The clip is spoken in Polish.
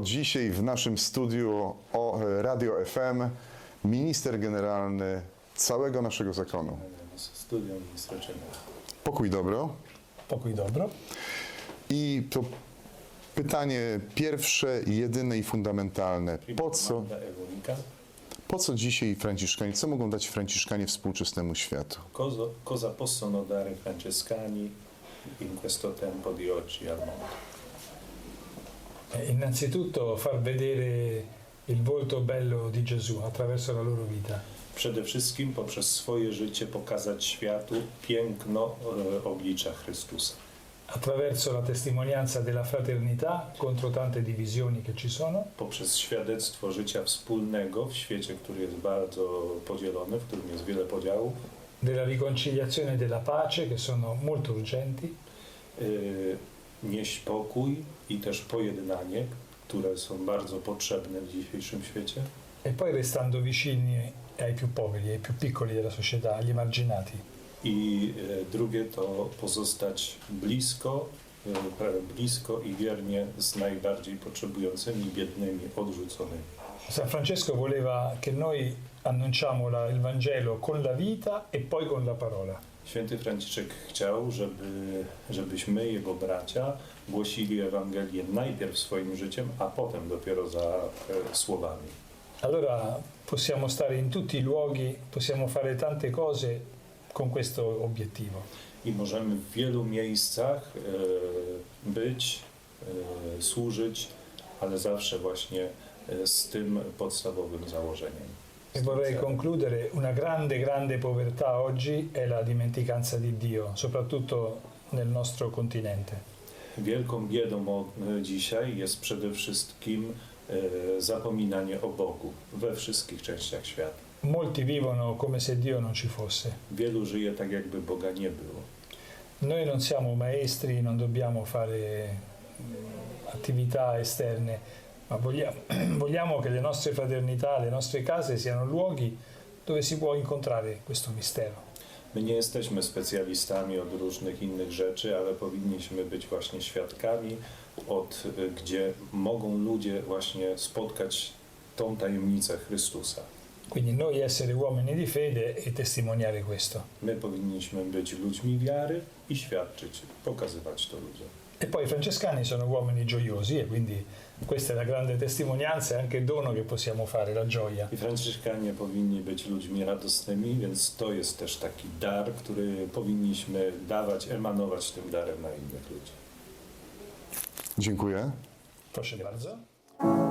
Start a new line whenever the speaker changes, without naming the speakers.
dzisiaj w naszym studiu Radio FM minister generalny całego naszego zakonu.
Studio ministra Czernego.
Pokój dobro.
Pokój dobro.
I to pytanie pierwsze, jedyne i fundamentalne. Po co dzisiaj Franciszkanie, co mogą dać Franciszkanie współczesnemu światu?
Cosa possono dare francescani in questo tempo di oggi al mondo?
Innanzitutto far vedere il volto bello di Gesù attraverso la loro vita.
Przede wszystkim poprzez swoje życie pokazać światu piękno oblicza Chrystusa.
Attraverso la testimonianza della fraternità contro tante divisioni che ci sono.
Poprzez świadectwo życia wspólnego w świecie, który jest bardzo podzielony, w którym jest wiele podziałów.
Della riconciliazione e della pace che sono molto urgenti.
Nieść pokój i też pojednanie, które są bardzo potrzebne w dzisiejszym świecie.
E poi restando vicini ai più poveri, ai più piccoli della società, agli emarginati.
I drugie to pozostać blisko i wiernie z najbardziej potrzebującymi, biednymi, odrzuconymi.
San Francesco voleva che noi annunciamo il Vangelo con la vita e poi con la parola.
Święty Franciszek chciał, żebyśmy, jego bracia, głosili Ewangelię najpierw swoim życiem, a potem dopiero za słowami.
Allora possiamo stare in tutti i luoghi, possiamo fare tante cose con questo obiettivo.
I możemy w wielu miejscach być, służyć, ale zawsze właśnie z tym podstawowym założeniem.
E vorrei concludere, una grande povertà oggi è la dimenticanza di Dio, soprattutto nel nostro continente.
Wielką biedą dzisiaj jest przede wszystkim zapominanie o Bogu we wszystkich częściach świata.
Molti vivono come se Dio non ci fosse.
Wielu żyje tak, jakby Boga nie było.
Noi non siamo maestri, non dobbiamo fare attività esterne, ma vogliamo che le nostre fraternità, le nostre case siano luoghi dove si può incontrare questo mistero.
My nie jesteśmy specjalistami od różnych innych rzeczy, ale powinniśmy być właśnie świadkami, gdzie mogą ludzie właśnie spotkać tą tajemnicę Chrystusa.
Quindi noi essere uomini di fede e testimoniare questo.
My powinniśmy być ludźmi wiary i świadczyć, pokazywać to ludziom.
E poi i francescani sono uomini gioiosi e quindi questa è la grande testimonianza e anche il dono che possiamo fare, la gioia.
I franciszkanie powinni być ludźmi radosnymi, więc to jest też taki dar, który powinniśmy dawać, emanować tym darem na innych ludzi.
Dziękuję.
Proszę bardzo.